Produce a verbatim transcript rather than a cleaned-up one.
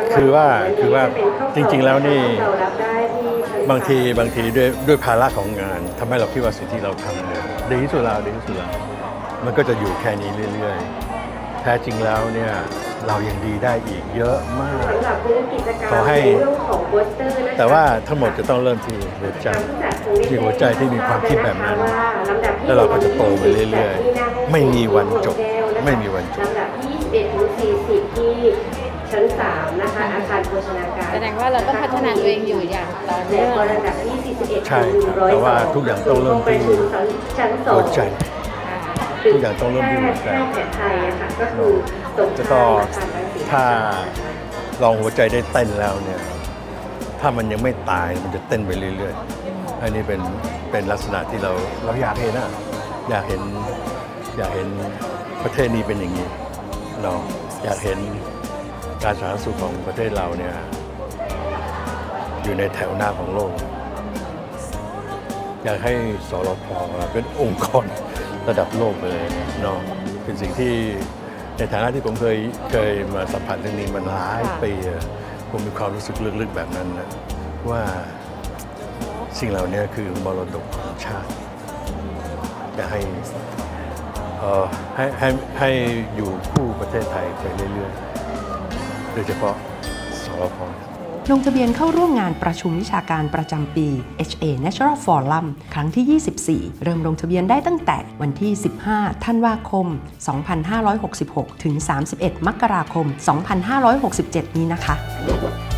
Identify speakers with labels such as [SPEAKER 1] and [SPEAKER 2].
[SPEAKER 1] คือว่าคือว่าจริงๆแล้วนี่บางทีบางทีด้วยด้วยภาระของงานทำให้เราคิดว่าสิ่งที่เราทำเนี่ยดีที่สุดแล้วดีที่สุดแล้วมันก็จะอยู่แค่นี้เรื่อยๆแท้จริงแล้วเนี่ยเรายังดีได้อีกเยอะมากขอให้แต่ว่าทั้งหมดจะต้องเริ่มที่หัวใจที่หัวใจที่มีความคิดแบบนั้นแล้วเราก็จะโตไปเรื่อยๆไม่มีวันจบไม่มีวันจบ
[SPEAKER 2] ลำดับที่ยี่สิบเอ็ดถึงสี่สิบที่ชั้นสามนะคะอาคารโภชนาการ
[SPEAKER 3] แสดงว่าเราต้องพัฒนาตัวเองอยู่อย่างต่อเนื่อง
[SPEAKER 2] ลำดับที่สี่สิบเอ็ด
[SPEAKER 1] ใช่ครับแต่ว่าทุกอย่างต้องเริ่มที่
[SPEAKER 2] ชั้นสอง
[SPEAKER 1] หัวใจทุกอย่างต้องเริ่มที่หัวใจ
[SPEAKER 2] แพทย์ไทยค่ะก็คือตรง
[SPEAKER 1] จะ
[SPEAKER 2] ข้า
[SPEAKER 1] ก็
[SPEAKER 2] มอาคารรังสิต
[SPEAKER 1] ถ้าลองหัวใจได้เต้นแล้วเนี่ยถ้ามันยังไม่ตายมันจะเต้นไปเรื่อยๆอันนี้เป็นเป็นลักษณะที่เราเราอยากเห็นนะอยากเห็นอยากเห็นประเทศนี้เป็นอย่างนี้เราอยากเห็นการสาธารณสุขของประเทศเราเนี่ยอยู่ในแถวหน้าของโลกอยากให้สรพเป็นองค์กรระดับโลกไปเลยเนาะเป็นสิ่งที่ในฐานะที่ผมเคยเคยมาสัมผัสเรื่องนี้มันหลายปีผมมีความรู้สึกลึกๆแบบนั้นนะว่าสิ่งเหล่านี้คือมรดกของชาติจะให้เอ่อให้ให้ให้อยู่คู่ประเทศไทยไปเรื่อยๆโดยเฉพาะสรพ
[SPEAKER 4] ลงทะเบียนเข้าร่วมงานประชุมวิชาการประจำปี เอช เอ Natural Forum ครั้งที่ ยี่สิบสี่ เริ่มลงทะเบียนได้ตั้งแต่วันที่ สิบห้า ธันวาคม สองพันห้าร้อยหกสิบหก ถึง สามสิบเอ็ด มกราคม สองพันห้าร้อยหกสิบเจ็ด นี้นะคะ